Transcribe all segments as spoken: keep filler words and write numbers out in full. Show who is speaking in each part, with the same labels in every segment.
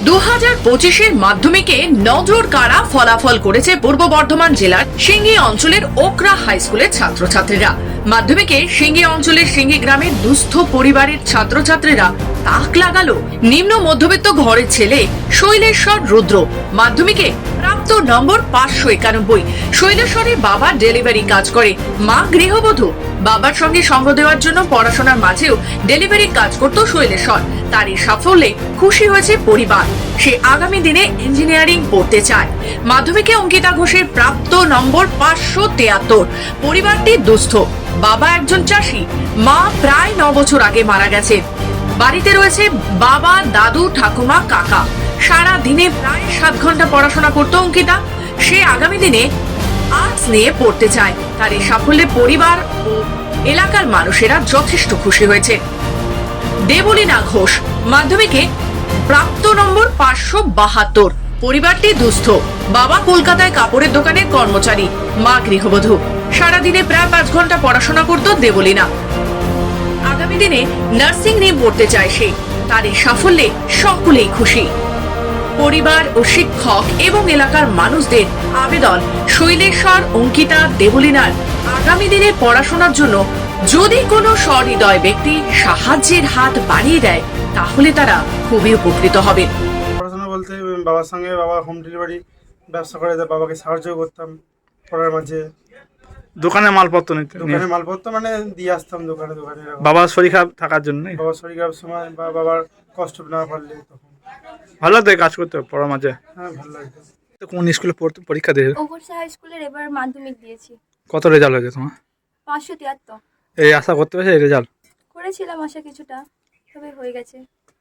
Speaker 1: দু হাজার পঁচিশের মাধ্যমিকে নজর কাড়া ফলাফল করেছে পূর্ব বর্ধমান জেলার সিঙ্গি অঞ্চলের ওকরা হাই স্কুলের ছাত্রছাত্রীরা। মাধ্যমিকে সিঙ্গি অঞ্চলের সিঙ্গি গ্রামের দুস্থ পরিবারের ছাত্রছাত্রীরা তাক লাগালো নিম্ন মধ্যবিত্ত ঘরের ছেলে শৈলেশ্বর রুদ্র। মাধ্যমিকে প্রাপ্ত নম্বর পাঁচশো একানব্বই। শৈলেশ্বরের বাবা ডেলিভারি কাজ করে, মা গৃহবধূ। বাবার সঙ্গে সঙ্গ দেওয়ার জন্য পড়াশোনার মাঝেও ডেলিভারি কাজ করত শৈলেশ্বর। তার এই সাফল্যে খুশি হয়েছে পরিবার। সে আগামী দিনে ইঞ্জিনিয়ারিং পড়তে চায়। মাধ্যমিকে অঙ্কিতা ঘোষের প্রাপ্ত নম্বর পাঁচশো তিয়াত্তর। পরিবারটি দুস্থ, বাবা একজন চাষি, মা প্রায় ন বছর আগে মারা গেছে। বাড়িতে রয়েছে বাবা, দাদু, ঠাকুমা, কাকা। সারা দিনে প্রায় সাত ঘন্টা পড়াশোনা করত অঙ্কিতা। সে আগামী দিনে আর্টস নিয়ে পড়তে চায়। তার এই সাফল্যে পরিবার ও এলাকার মানুষেরা যথেষ্ট খুশি হয়েছে। দেবলীনা ঘোষ মাধ্যমিকে প্রাপ্ত নম্বর পাঁচশো বাহাত্তর। পরিবারটি দুস্থ, বাবা কলকাতায় কাপড়ের দোকানে কর্মচারী, মা গৃহবধূ। সারাদিনে প্রায় পাঁচ ঘন্টা পড়াশোনা করত দেবলীনা। আগামী দিনে নার্সিং নিয়ে পড়তে চায় সে। তার এই সাফল্যে সকলেই খুশি। পরিবার ও শিক্ষক এবং এলাকার মানুষদের আবেদন, শৈলেশ্বর, অঙ্কিতা, দেবলীনার আগামী দিনে পড়াশোনার জন্য যদি কোনো সহৃদয় ব্যক্তি সাহায্যের হাত বাড়িয়ে দেয় তাহলে তারা খুবই উপকৃত হবে।
Speaker 2: পড়াশোনা বলতে বাবার সঙ্গে, বাবা হোম ডেলিভারি ব্যবসা করে, বাবাকে সাহায্য করতাম পড়ার মাঝে।
Speaker 3: দোকানে মালপত্র নিতে,
Speaker 2: দোকানে মালপত্র মানে দিয়ে আসতাম দোকানে দোকানে
Speaker 3: বাবার শরীর খারাপ থাকার জন্য।
Speaker 2: বাবার শরীর খারাপ সময় বা বাবার কষ্ট না পারলে তখন
Speaker 3: ভালো লাগতো কাজ করতে পড়ার মাঝে।
Speaker 2: হ্যাঁ, ভালো লাগতো।
Speaker 3: কোন স্কুলে পড়তে পরীক্ষা দিয়ে?
Speaker 4: ওকরা হাই স্কুলের এবার মাধ্যমিক দিয়েছি।
Speaker 3: কত রেজাল্ট হয়েছে তোমার?
Speaker 4: পাঁচশো তিয়াত্তর।
Speaker 3: এই আশা করতে পেরেছে এই রেজাল্ট?
Speaker 4: করেছিলাম আশা কিছুটা, তবে হয়ে গেছে।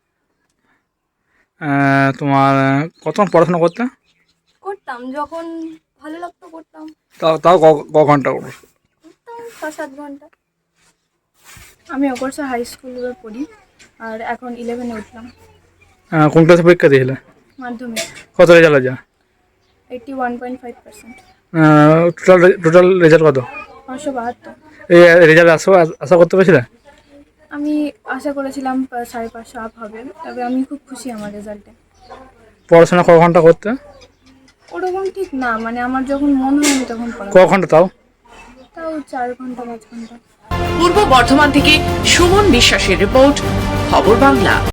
Speaker 3: তোমার কত পড়াশোনা করতে?
Speaker 4: করতাম যখন ভালো লাগতো করতাম।
Speaker 3: তাও তাও ক- ক ঘন্টা করো?
Speaker 4: করতাম ছ সাত ঘন্টা। আমি ওকরা হাই স্কুলে পড়ি আর এখন ইলেভেনে উঠলাম।
Speaker 3: আহ, কোন ক্লাসে পরীক্ষা দিয়েছিলে?
Speaker 4: মাধ্যমিক
Speaker 3: কত রেজাল্ট আছে?
Speaker 4: Eighty one point five percent.
Speaker 3: Total total result কত?
Speaker 4: পাঁচশো বাহাত্তর।
Speaker 3: এই রেজাল্ট আশা আশা করতে পেরেছিলে?
Speaker 4: আমি আশা করেছিলাম পা- সাড়ে পাঁচশো আপ হবে, তবে আমি খুব খুশি আমার রেজাল্টে।
Speaker 3: পড়াশোনা ক ঘন্টা করতে?
Speaker 4: ওরকম ঠিক না, মানে আমার যখন মন হয় আমি তখন পড়া,
Speaker 3: ক ঘন্টা তাও?
Speaker 4: তাও চার ঘন্টা পাঁচ ঘন্টা।
Speaker 1: পূর্ব বর্ধমান থেকে সুমন বিশ্বাসের রিপোর্ট, খবর বাংলা।